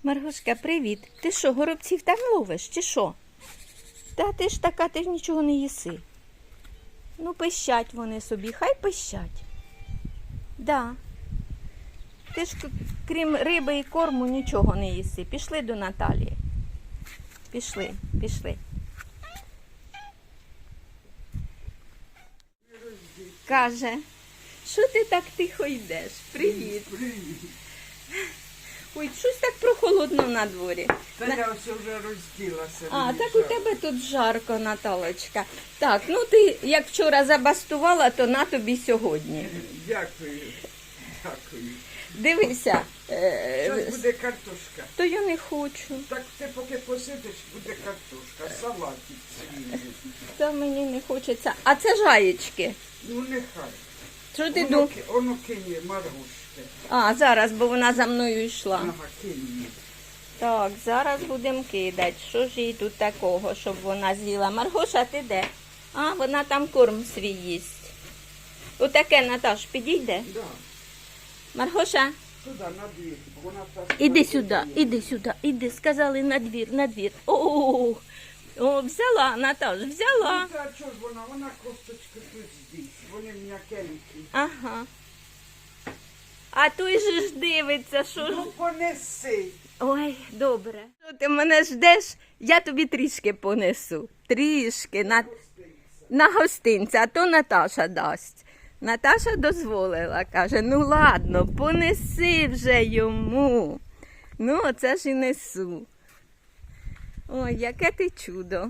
Маргошка, привіт. Ти що, горобців там ловиш, чи що? Та ти ж така, ти ж нічого не їси. Ну, пищать вони собі, хай пищать. Да. Ти ж крім риби і корму нічого не їси. Пішли до Наталії. Пішли. Каже, що ти так тихо йдеш? Привіт. Ой, щось так прохолодно на дворі. Та я ось вже розділася. А, так у тебе тут жарко, Наталочка. Так, ну ти як вчора забастувала, то на тобі сьогодні. Дякую. Дивися. Зараз буде картошка. То я не хочу. Так ти поки посидиш, буде картошка, салатик свіжий. Та мені не хочеться. А це жаєчки. Ну нехай. Що ти думаєш? Воно кине Маргушки. А, зараз, бо вона за мною йшла. Ага, кине. Так, зараз будемо кидати. Що ж їй тут такого, щоб вона з'їла? Маргоша, ти де? А, вона там корм свій їсть. Отаке, Наташ, підійде? Да. Маргоша? Туди, на двір. Вона так. Іди, сказали на двір. О, взяла, Наташ, взяла. Ну, та чого ж вона косточки тут здесь. Вони м'якенькі. Ага. А той же ж дивиться, що ж. Ну понеси. Ой, добре. Що ти мене ждеш? Я тобі трішки понесу. Трішки на гостинця, а то Наташа дасть. Наташа дозволила, каже, ну ладно, понеси вже йому. Ну, оце ж і несу. Ой, яке ти чудо.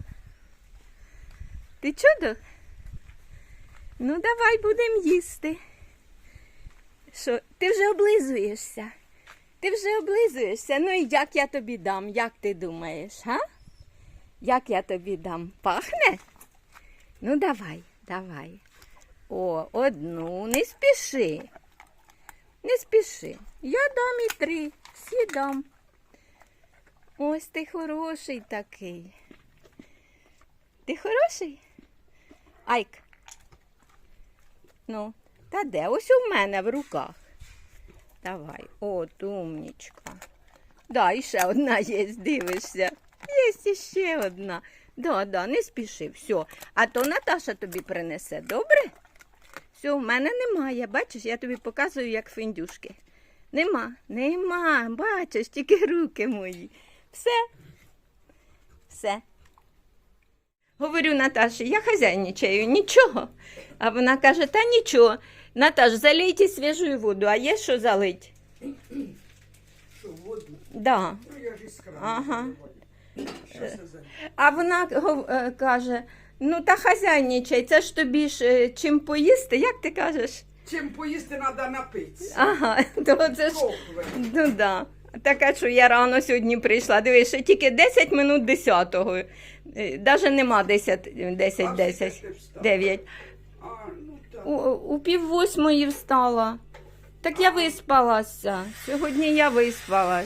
Ти чудо? Ну, давай будемо їсти. Що, ти вже облизуєшся? Ти вже облизуєшся? Ну і як я тобі дам? Як ти думаєш, га? Як я тобі дам? Пахне? Ну, давай. О, одну, не спіши. Не спіши. Я дам і 3, всі дам. Ось ти хороший такий. Ти хороший? Айк. Ну, та де? Ось у мене в руках. Давай. От, умнічка. Да, і ще одна є, дивишся. Є ще одна. Да, не спіши, все. А то Наташа тобі принесе, добре? Все, в мене немає. Бачиш, я тобі показую, як фіндюшки. Нема. Бачиш, тільки руки мої. Все. Говорю Наташі, я хазяйничаю, нічого. А вона каже, та нічого. Наташ, залийте свіжу воду, а є що залить? Що, воду? Да. Ну я ж із крану. Ага. Щас я залью. А вона каже, ну та хазяйничай, це ж тобі ж чим поїсти, як ти кажеш? Чим поїсти треба напитися. Ага, то це ж, Кохве. ну да. Така, що я рано сьогодні прийшла, дивись, ще тільки 10 минут 10-го, навіть нема 10, А скільки ти встала? 9. А, ну так. У 7:30 встала. Так я виспалася. Сьогодні я виспалась.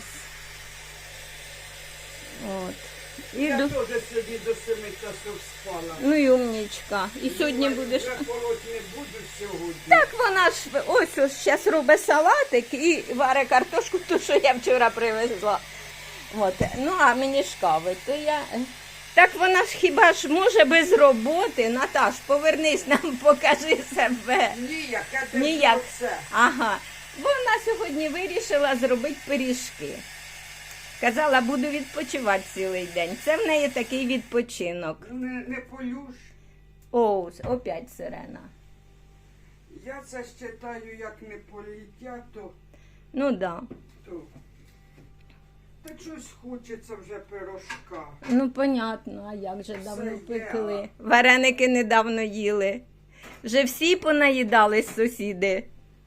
От. Я теж сьогодні до 7 часов спала. Ну і умнічка. І сьогодні будеш. Я полоть не буду сьогодні. Так вона ж ось зараз робить салатик і варить картошку, ту, що я вчора привезла. От. Ну, а мені ж кави, то я. Так вона ж хіба ж може без роботи? Наташ, повернись нам, покажи себе. Ніяк, я Ніяк. це. Ага. Вона сьогодні вирішила зробити пиріжки. Казала, буду відпочивати цілий день. Це в неї такий відпочинок. Не полюш. О, опять сирена. Я це ж читаю, як не політя, Ну да. то. Та щось хочеться вже пирожка. Ну, понятно, а як же давно Все є. пекли. Вареники недавно їли. Вже всі понаїдались сусіди.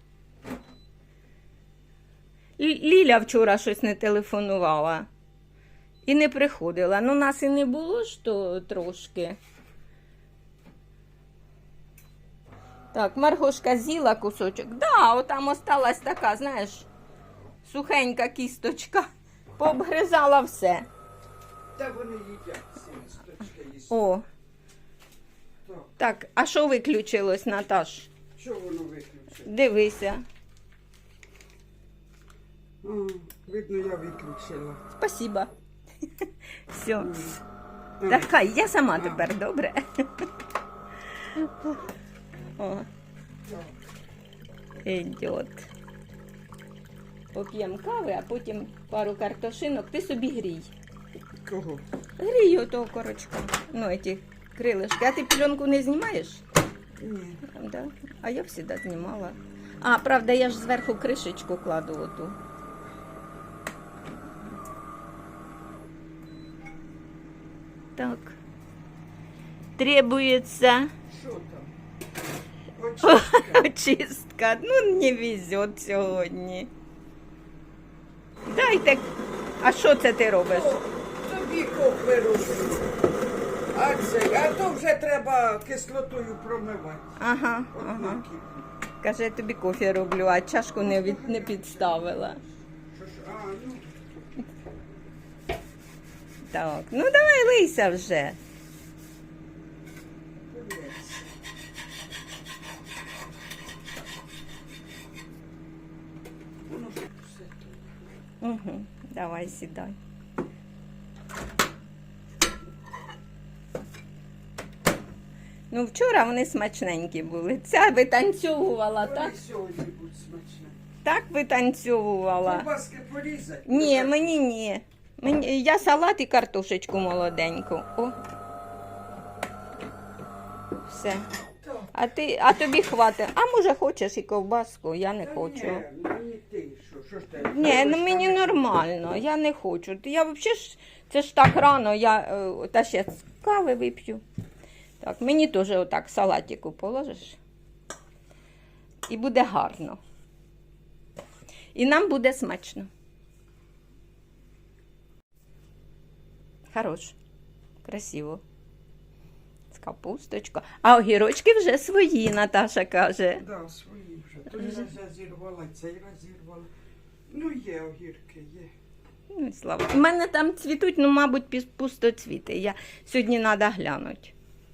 Ліля вчора щось не телефонувала. І не приходила. Ну, нас і не було ж то трошки. Так, Маргошка з'їла кусочок. Да, отам осталась така, знаєш, сухенька кісточка. Пообгризала все. Та вони їдять ці листочки їсти. О, Так, так, а що виключилось, Наташ? що воно виключить? Дивися. Видно, я виключила. Спасибо. Все. А, Так, хай, я сама тепер, добре? О, ідет. Поп'ємо кави, а потім пару картошинок. Ти собі грій. Кого? Грій отого корочка. Ну, ці крилишки. А ти пленку не знімаєш? Ні. Да? А я завжди знімала. А, правда, я ж зверху кришечку кладу оту. Так. Требуется Що там? Очистка. очистка. Ну, не везет сьогодні. Дайте. А що це ти робиш? Тобі кофе роблю. А то вже треба кислотою промивати. Ага, От ага. накипі. Каже, я тобі кофе роблю, а чашку не підставила. Що ж, ну, Так, ну давай лийся вже. подивись. Воно ж все тут. Угу, давай сідай. Ну, вчора вони смачненькі були. Ця витанцьовувала, так? Вони сьогодні будуть смачні. Так витанцьовувала. Ковбаски порізати? Ні, мені ні. Я салат і картошечку молоденьку. О. Все. Так. А тобі хватить. А може хочеш і ковбаску? Я не Та хочу. Ні, мені ти, що ж ти? Ні, ну мені нормально, я не хочу. Я взагалі ж, це ж так рано, та ще з кави вип'ю. Так, мені теж отак салатику положиш. І буде гарно. І нам буде смачно. Хорош. Красиво. З капусточкою. А огірочки вже свої, Наташа каже. Да, свої вже. Той раз я зірвала, цей раз зірвала. Ну, є огірки, є. Ну, і слава. У мене там цвітуть, ну, мабуть, пустоцвіти. Я сьогодні треба глянути.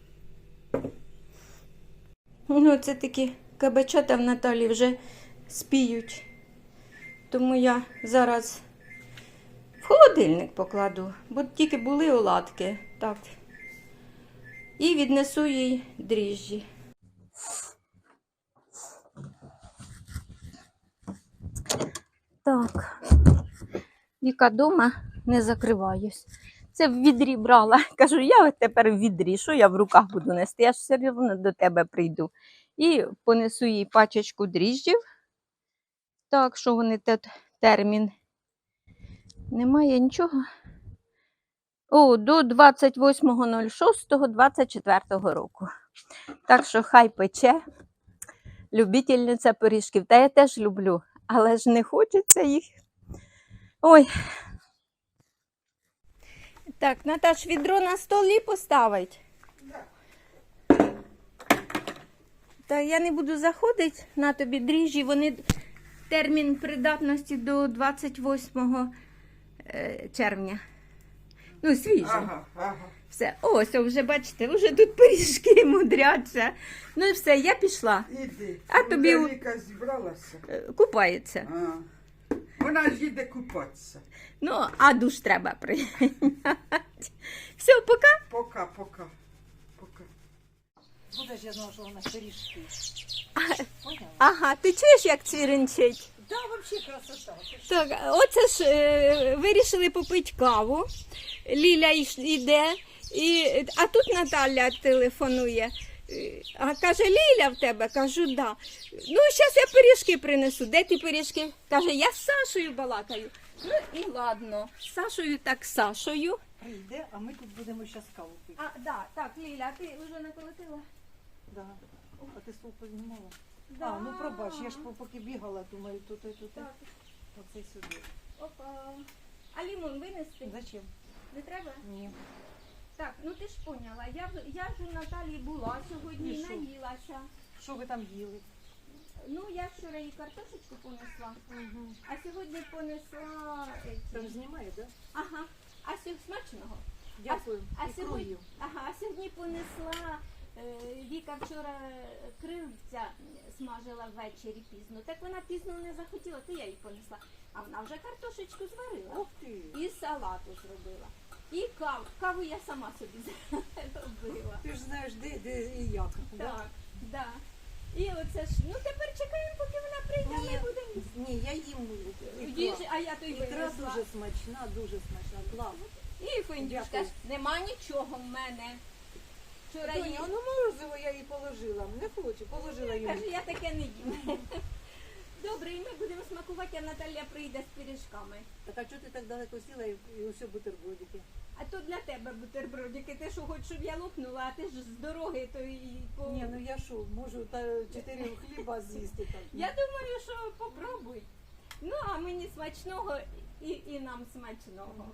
Ну, це такі кабачата в Наталі вже спіють. Тому я зараз в холодильник покладу, бо тільки були оладки. Так. І віднесу їй дріжджі. Так. Віка дома, не закриваюсь. Це в відрі брала. Кажу, я тепер в відрі, що я в руках буду нести? Я ж все одно до тебе прийду. І понесу їй пачечку дріжджів. Так, що вони термін. Немає нічого. О, до 28.06.24 року. Так що хай пече. Любительниця пиріжків. Та я теж люблю, але ж не хочеться їх. Ой. Так, Наташ, відро на столі поставить. Та я не буду заходити на тобі дріжджі. Вони термін придатності до 28 червня. Ну, свіжі. Ага. Все. Ось, вже бачите, вже тут пиріжки мудряться. Ну і все, я пішла. Іди. А тобі- Віка зібралася. Купається. А. Вона ж їде купатися. Ну, а душ треба прийняти. Все, пока. Пока. Буде ж я знала, що вона пиріжки. Поняла? Ага, ти чуєш, як цвіринчить? Да, взагалі красота. Так, оце ж вирішили попити каву. Ліля йде, а тут Наталя телефонує. А каже, Ліля в тебе? Кажу, да. Ну, зараз я пиріжки принесу. Де ти пиріжки? Каже, я з Сашою балакаю. Ну і ладно, з Сашою так з Сашою. Прийде, а ми тут будемо зараз каву пити. А, да, так, Ліля, ти вже наколотила? Да. А ти стол познімала? Да. А, ну пробач, я ж поки бігала, думаю, тут. Так. Оце сюди. Опа. А лимон винести? Зачем? Не треба? Ні. Так, ну ти ж поняла, я ж у Наталії була сьогодні І і що? наїлася. Що ви там їли? Ну, я вчора їй картошечку понесла, Угу. а сьогодні понесла... Це ж знімає, так? Да? Ага, а сьогодні смачного. Дякую. А І сьогодні, крою. ага, а сьогодні понесла Віка вчора крильця смажила ввечері пізно. Так вона пізно не захотіла, то я їй понесла. А вона вже картошечку зварила. Ух ти. І салату зробила. І каву. Каву я сама собі зробила. Ти ж знаєш, де і як. да? Так, да. І оце ж, ну тепер чекаємо, поки вона прийде, а ми Ні. будемо їсти. Ні, я їм Їжі, а я то й ікра винесла. дуже смачна, дуже смачна. Клас. І Фендюшка Дякую. ж, нема нічого в мене. Вчора їй Тоня, ну морозиво я їй положила. Не хочу, положила йому. каже, я таке не їм. Добре, і ми будемо смакувати, а Наталя прийде з пиріжками. Так а чого ти так далеко сіла і усе бутербродики? А то для тебе бутербродики. Ти що, хочеш, щоб я лопнула, а ти ж з дороги, то і по... Ні, ну я що, можу 4 хліба з'їсти так. Я думаю, що попробуй. Ну, а мені смачного і нам смачного.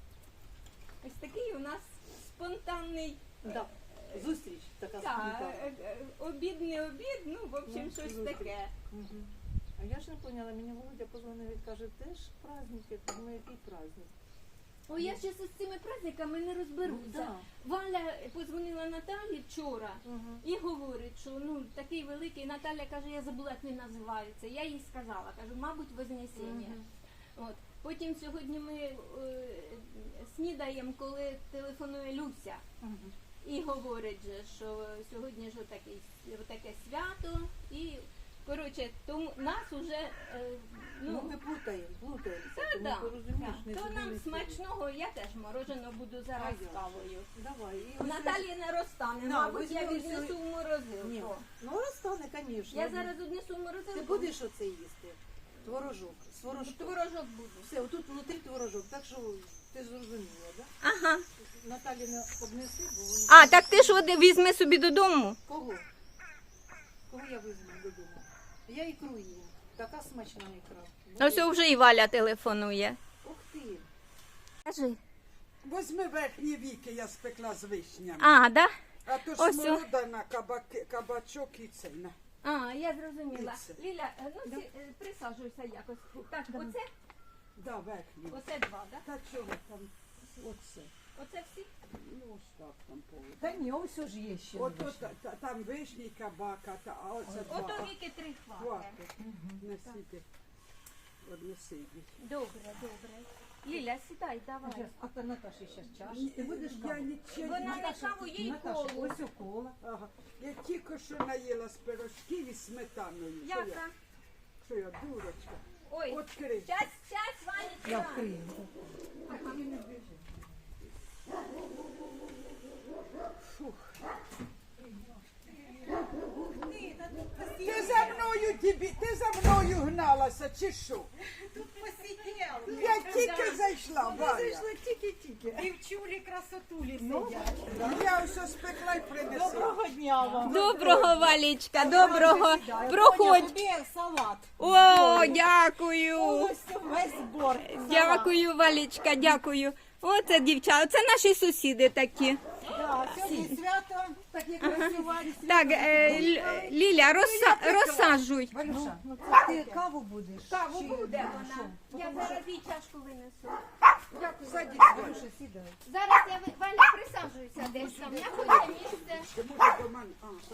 Ось такий у нас спонтанний Да. Зустріч така та, спонтанна. обід, не обід, ну, в общем, Ну, щось зустріч. таке. Мгм. А я ж не поняла, мені Володя позвонив і каже, теж праздники, ну який праздник? Ой, я ще з цими праздниками не розберуся. Да. Валя позвонила Наталі вчора Мгм. і говорить, що ну такий великий. Наталя каже, я забула, як він називається. Я їй сказала, кажу, мабуть, Вознесіння. Мгм. От. Потім сьогодні ми снідаємо, коли телефонує Люся. Мгм. І говорить же, що сьогодні ж таке свято. І, коротше, тому нас уже, Ну, ми плутаємося, та, тому да, порозумієш, не то нам зробили смачного, я теж мороженого буду зараз А я? з кавою. Давай. І ось Наталі не розтане, На, мабуть, я візьми ось віднесу в Ні, морозилку. ну розтане, звісно. Я зараз однесу в морозилку. Ти будеш оце їсти? Творожок, з творожком. Творожок буду. Все, отут внутрі творожок, так що ти зрозуміла, да? Ага. Наталі не обнеси, бо вони... А, так ти ж візьми собі додому. Кого? Кого я візьму додому? Я ікру їм. Така смачна ікра. Ось вже і Валя телефонує. Ух ти. Кажи. Возьми верхні віки, я спекла з вишнями. А, да? А то ось ж смородина, кабачок і це. на. А, я зрозуміла. Це. Ліля, ну присаджуйся якось. Так, оце, Да, верхні. оце два, да? Та чого там? Оце. Оце всі? Ну, ось так там повинно. Та ні, ось ж є ще. Ото там вишні, кабака, а оце два. Ото віки три хвати. Хватить. Несіть. Однеси їх. Добре, добре. Ліля, сідай, давай. А та Наташі ще чаш. Ти будеш Я каву? нічого Вона не... не каву, їй Наташа, колу. ось у кола. Ага. Я тільки що наїла з пирожків і сметаною. Яка? Що я, дурочка? Ой, Открий. час, Я Ванечка. вкрию. Ти за мною гналася, чи що? Я тільки зайшла, Валя. Тільки-тільки. Дівчулі красотулі сидять. Я все спекла і принесла. Доброго дня вам. Доброго, Валічка, доброго. Проходь. Тобі салат. О, дякую. Ось весь збор. Дякую, Валічка, дякую. Оце дівчата, це наші сусіди такі. Да, сьогодні свято, так як працювали. Так, Ліля, розсаджуй. Валюша, ти каву будеш? Каву Чи- буде ну, вона. що? Я зараз їй чашку винесу. Садись, Валюша, сідай. Зараз я, Валя, присаджуйся десь там. Я хочу місце. Ти може до мене.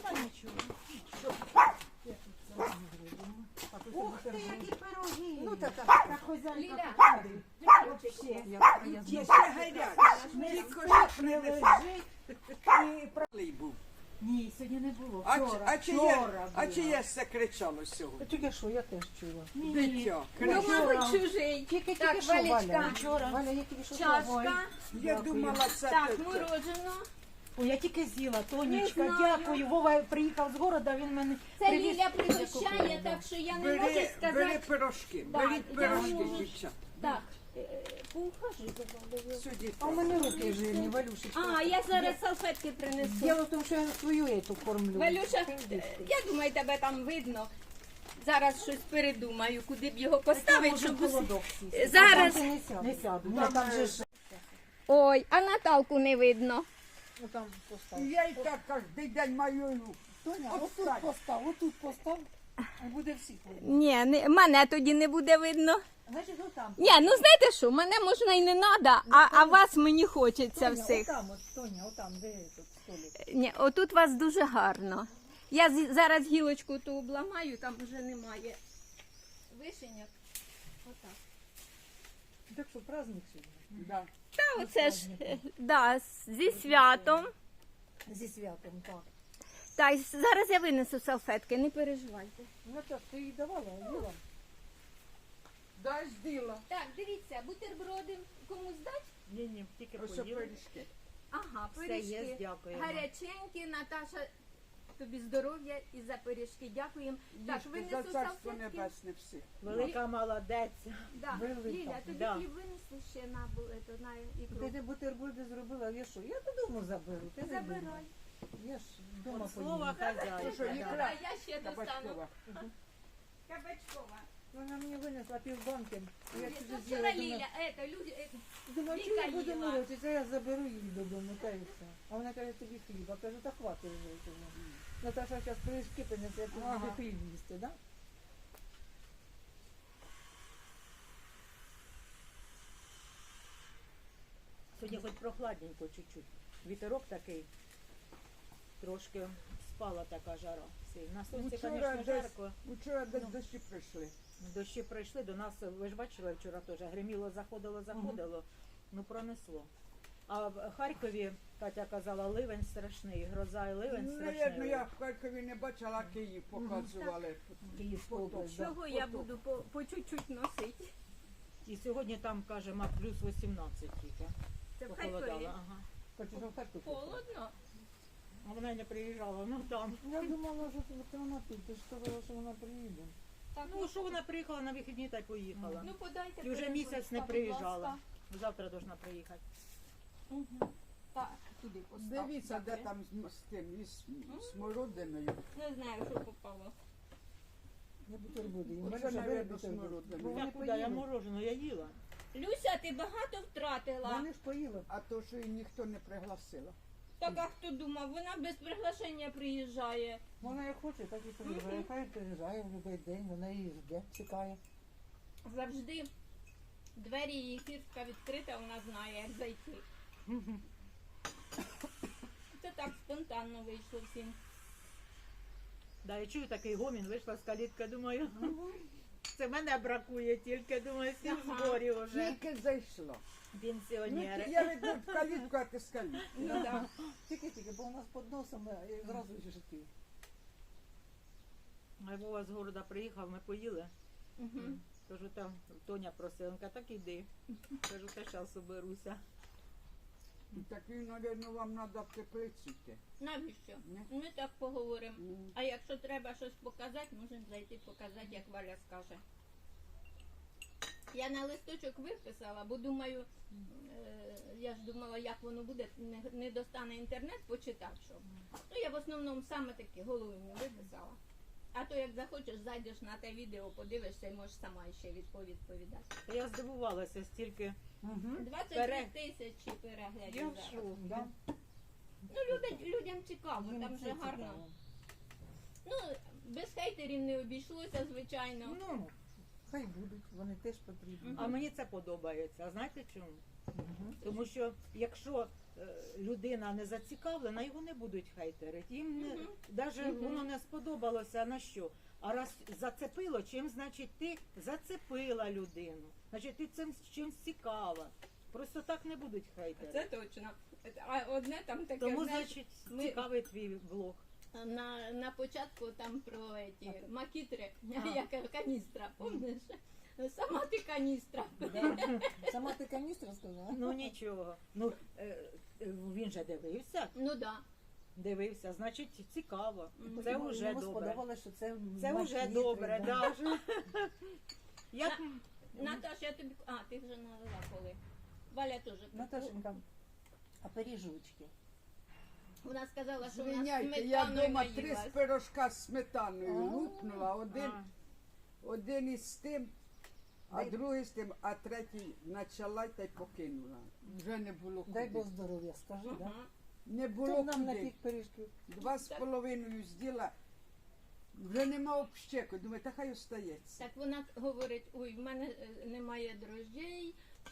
Ух ти, які пироги. Ну, та так. Так хозяйка Ліля, вообще. Є ще гарячі. Тільки що принесла. І про- Малий був. Ні, сьогодні не було. А Вчора, чи є, вчора а було. чи є все кричало сьогодні? Тільки що, я теж чула. Дитя. Ну, кричало. мабуть, чужий. Тільки Так, що, Валя. Валечка, Валя, я тільки що чашка. Я думала, це Так, те- морожено. Ой, я тільки з'їла, Не Тонечка, знаю. дякую. Вова приїхав з города, він мене Це привіз. Ліля пригощає, так що я не можу Бери сказати. пирожки, Да, беріть я пирожки, можу. дівчата. Так, поухажуй за Валею. Сюди. А у мене руки жирні, Валюшечка. А, я зараз салфетки принесу. Діло в тому, що я свою ету кормлю. Валюша, Ти я думаю, тебе там видно. Зараз щось передумаю, куди б його поставити, щоб усе- холодок сісти. Зараз. Там не сяду. Не сяду. Ні, там же ж... Ой, а Наталку не видно. Ну, там постав. Я і так кожен день маю. Тоня, отут постав, а буде всіх видно. Ні, мене тоді не буде видно. Значить, ну там. Ні, ну знаєте що, мене можна і не треба, а вас мені хочеться Тоня, всіх. отам, от, Тоня, отам, де тут. столик. Ні, отут вас дуже гарно. Я зараз гілочку ту обламаю, там вже немає вишеньок. Отак. Так що праздник сьогодні. Да. Та оце ж, да, зі святом. Зі святом, так. Та й зараз я винесу салфетки, не переживайте. Ну так, ти їй давала, Юла? Дай діла. Так, дивіться, бутерброди комусь дать? Ні, тільки Ось поїли. пиріжки. Ага, Все пиріжки. є, дякуємо. Гаряченькі, Наташа, тобі здоров'я і за пиріжки. Дякуємо. Так, Їжте винесу за царство салфетки. небесне всі. Велика молодець. Да. Велика. Ліля, тобі Да. хліб винесу ще на, на ікру. Ти де бутерброди зробила, я що? Я додому заберу. Ти не Забирай. думай. Я ж вдома От слова поїду. То що, хазяїна. ікра? да. А я ще достану. Кабачкова. Кабачкова. Вона мені винесла півбанки. Я Ні, чужу то з'їла, вчора думаю, Ліля, люди, думаю, чи Віка я буду їла. морочитися, я заберу її додому, та і все. А вона каже, тобі хліба. Кажу, та хватить вже цього. Наташа зараз пиріжки принесе, я тобі Ага. хліб їсти, да? Сьогодні хоч прохладненько чуть-чуть. Вітерок такий. Трошки спала така жара. На сонці, Вчора звісно, десь- жарко. Вчора десь дощі прийшли. Дощі прийшли до нас, ви ж бачили вчора теж, гриміло, заходило, ну пронесло. А в Харкові, Катя казала, ливень страшний, гроза і ливень Наверно, страшний. я в Харкові не бачила, Київ показували. Київська область, да. чого я буду по чуть-чуть носити? І сьогодні там, каже, плюс 18 тільки. Це в Похолодало. Харкові. Ага. Хочу, щоб Харків. Холодно. А вона й не приїжджала, ну там. Я думала, що вона тут, ти ж сказала, що вона приїде. Так, Ну що вона приїхала на вихідні та й поїхала. ну подайте. І вже пиріжочка, місяць не будь приїжджала. ласка. Завтра должна приїхати. Так, туди поставте. Дивіться, де там з тим, із смородиною. Не знаю, що попало. Я бутерброди їм. Оце, Валюша, бери навіть, бутерброд. смородина. Бо Я вони куди? Я поїли. мороженое, я їла. Люся, ти багато втратила. Вони ж поїли. А то, що її ніхто не пригласила. Так, а хто думав, вона без приглашення приїжджає. Вона як хоче, так і приїжджає. Хай приїжджає в будь-який день, вона її жде, чекає. Завжди двері її фіртка відкрита, вона знає, як зайти. Це так спонтанно вийшло всім. Да, я чую такий гомін, вийшла з калітки, думаю, це мене бракує тільки, думаю, всі в Ага. зборі вже. Тільки зайшло. Ну, Пенсіонери. я веду в калітку, а ти з калітки. Ну так. Тільки, бо у нас під носом зразу жити. А Вова з города приїхав, ми поїли. Мгм. Кажу, там Тоня просила, він каже, так іди. Кажу, та зараз оберуся. Так він, мабуть, вам треба в теплицю йти. Навіщо? Ні. Ми так поговоримо. Ну. А якщо треба щось показати, можемо зайти показати, як Валя скаже. Я на листочок виписала, бо думаю, я ж думала, як воно буде, не достане інтернет, почитати, що. Ну, я в основному саме такі головні виписала. А то як захочеш, зайдеш на те відео, подивишся і можеш сама ще відповідати. Та я здивувалася стільки. 23 тисячі переглядів. Я в зараз. шоку. Да? Ну, людям цікаво, там вже гарно. Ну, без хейтерів не обійшлося, звичайно. Ну, хай будуть, вони теж потрібні. А мені це подобається. А знаєте чому? Тому що якщо людина не зацікавлена, його не будуть хейтерити. Їм не, навіть воно не сподобалося, на що? А раз зацепило, чим значить ти зацепила людину? Значить ти цим чимсь цікава. Просто так не будуть хейтери. Це точно. А одне там таке, Тому, знаєш, значить, ми- цікавий твій блог. на початку там про ті макітри, як каністра, помниш? Сама ти каністра. Сама ти каністра сказала? Ну нічого. Ну він же дивився, Ну да. дивився, значить цікаво. Мгм. Це Йому вже добре. сподобалося, що це Це вже макітри, добре, да. да. Як Наташ, я тобі. А, ти вже налила коли. Валя теж. Наташенька, а пиріжочки? Вона сказала, що вона Звиняйте, я сметаною вдома 3 наїлась. пирожка з сметаною лупнула. А. Один із тим, а Дай- другий з тим, а третій почала та й покинула. Вже не було куди. Дай Бог здоров'я, скажи, да? Ага. Не Хто було нам на куди. тих пиріжків? 2,5 зділа. Вже нема общеку. Думаю, та хай остається. Так вона говорить, ой, в мене немає дрожжей,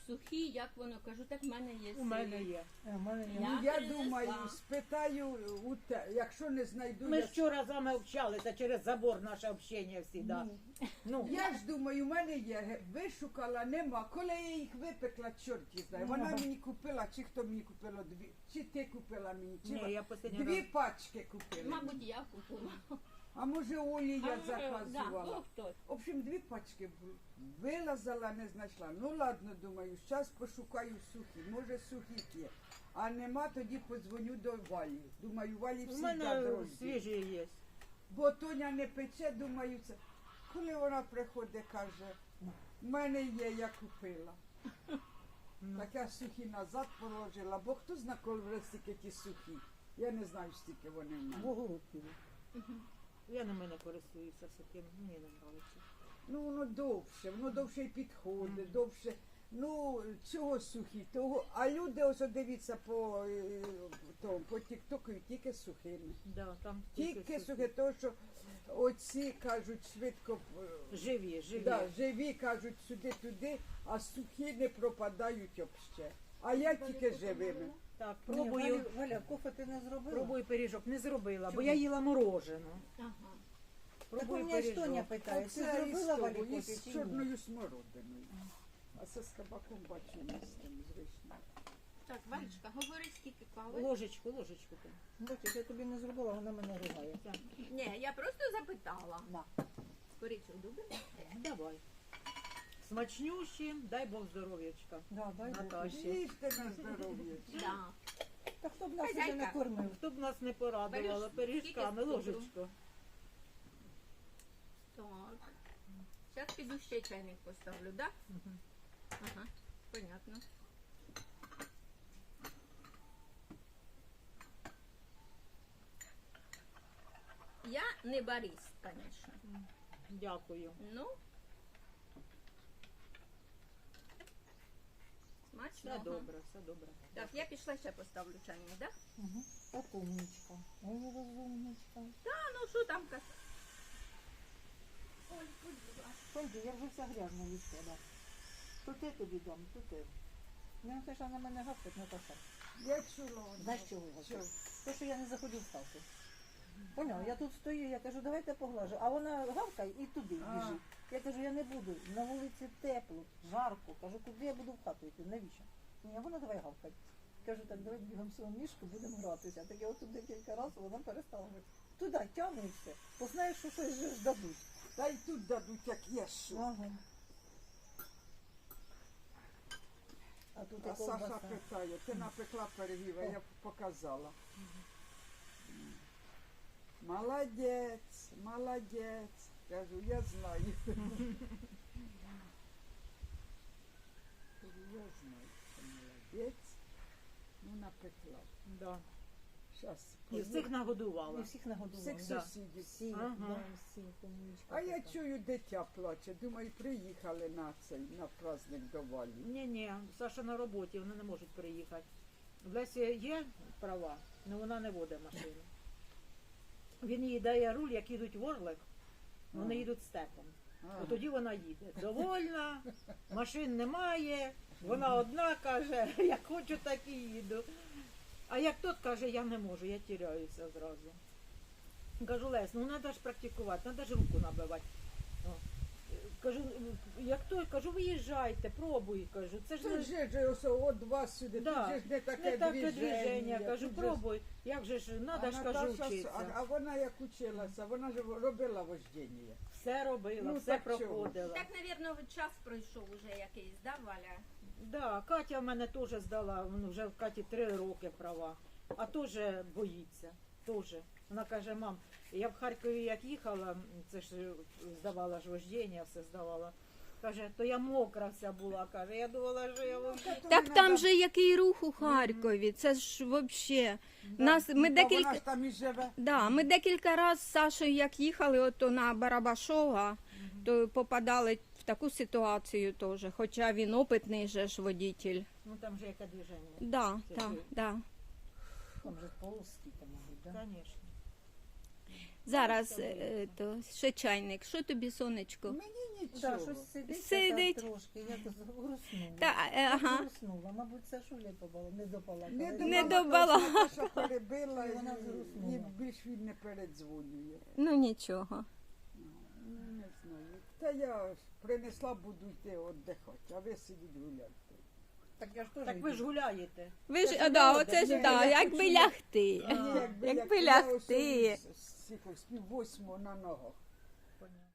сухі, як воно кажу, так в мене є. У мене є. А в мене ні. Я Я принесла. думаю, спитаю, якщо не знайду, Ми я ж вчора з вами общалися через забор наше общення всі, да. Ну, Я ж думаю, у мене є, вишукала, нема. Коли я їх випекла, чорт її знає. Вона мені купила, чи хто мені купила дві, чи ти купила мені, чи ні, я останній дві раз. пачки купила. Мабуть, я купила. А може Олі я Да, заказувала. хто? В общем, дві пачки були. Вилазила, не знайшла. Ну ладно, думаю, зараз пошукаю сухі. Може сухі є. А нема, тоді подзвоню до Валі. Думаю, Валі У всі мене друзі. свіжі є. Бо Тоня не пече, думаю, це. Коли вона приходить, каже, в мене є, я купила. Так я сухі назад положила, бо хто знає, коли вже стільки ті сухі. Я не знаю, стільки вони в мене. Вогород піде. Я ними не користуюся сухим, мені не подобається. Ну, воно довше й підходить, довше. Ну, чого сухі, того. А люди, ось дивіться по тіктоку, тільки сухими. Да, там Тільки сухі, тому що оці кажуть швидко. Живі, живі. Да, живі кажуть сюди-туди, а сухі не пропадають взагалі. А я тільки живими. Так, Ні, пробую, Валя, кофе ти не зробила? пробую пиріжок. Не зробила, бо Чому? я їла морожену. Ага. Так у Пробую мене ж Тоня пиріжок. питає, ти Оце із зробила Валі того, кофе із чи ні? чорною смородиною. А це з кабаком бачу не з тим, з вишнею. Так, Валечка, говори, скільки кави. Ложечку. Бачиш, я тобі не зробила, вона мене ругає. Так, Ні, я просто запитала. На. Корицю любиш? давай. Смачнющі, дай Бог здоров'ячка. Да, дай Бог. Наташі. Їжте на здоров'я. Да. Та хто б нас Хазяйка. вже не кормив? Хто б нас не порадувала Береш пиріжками, скільки ложечку. Так. Зараз піду ще чайник поставлю, да? Мгм. Ага, понятно. Я не барист, звісно. Дякую. Ну. Все Смачно. добре, все добре. Так, я пішла ще поставлю чайник, да? Угу. Так умничка. Ой, розумничка. А ну що там казати? Пойди, я вже вся грязна від тебе. То ти тобі дам, то ти. Не хочеш на мене гавкать, Наташа. Я чула. Знаєш чого я Чого? гавкаю? То, що я не заходжу в хату. Поняв, я тут стою, я кажу, давайте поглажу. А вона гавкає і туди А. біжить. Я кажу, я не буду. На вулиці тепло, жарко. Кажу, куди я буду в хату йти? Навіщо? Ні, а вона давай гавкать. Кажу, так давай бігом в свою мішку, будемо гратися. Так я отут декілька разів, вона перестала гавкати. Туди тягне і все. Бо знаєш, що щось же ж дадуть. Та й тут дадуть, як є що. Ага. А тут і А Саша ковбаса. питає, ти напекла пирогів, а я показала. Молодець, молодець. Кажу, я знаю. Кажу, я знаю, що молодець. Ну, напекла. Да. Щас. І всіх нагодувала. І всіх нагодували. Всіх Да. сусідів. Всіх, Ага. да, всіх, умничка А я така. чую, дитя плаче. Думаю, приїхали на цей, на праздник до Валі. Ні, Саша на роботі, вони не можуть приїхати. В Лесі є права, але вона не водить машину. Він їй дає руль, як їдуть в Орлик, вони їдуть степом. От тоді вона їде. Довольна, машин немає, вона одна каже, як хочу, так і їду. А як тот каже, я не можу, я тіряюся зразу. Кажу, Лесь, ну треба ж практикувати, треба ж руку набивати. О. Кажу, як той, кажу, виїжджайте, пробуй, кажу. Це ж Це не ж ось от вас сюди, Да. тут же ж не таке не таке движення. движення. Кажу, тут же ж- пробуй. Як же ж, треба ж, кажу, Наташа, вчитися. а вона як училася, вона ж робила вождіння. Все робила, Ну, все так чого? проходила. Так, мабуть, час пройшов уже якийсь, да, Валя? Да, Катя в мене теж здала, ну, вже в Каті 3 роки права, а теж боїться. Теж. Вона каже, мам, я в Харкові як їхала, це ж здавала ж вождіння, все здавала. Каже, то я мокра вся була, каже, я думала, що я вождіння. Так там же який рух у Харкові, це ж взагалі. Нас, ми Вона декілька... ж там і живе. Да, ми декілька разів з Сашою, як їхали ото на Барабашова, то попадали в таку ситуацію теж, хоча він опитний же ж водитель. Ну там же яке движення. Да, Це так, ж- да. Там же полоски, там, мабуть, да? Звісно. Зараз то, ще чайник. Що тобі, сонечко? Мені Да, нічого. щось сидить, Сидить. така трошки, я тут груснула. Та, ага. Груснула, мабуть, це шулі побала, не допала. Не добала. Що перебила, І вона і зруснула. більш він не передзвонює. Ну нічого. Ну, не знаю. Та я ж принесла, буду йти віддихати, а ви сидіть гуляти. Так я ж теж Так ви ж гуляєте. Ви ж, Це да, ж оце ж, Ні, да, я якби хочу- лягти. Ні, Якби я лягти. ось пів восьмого на ногах. Понятно.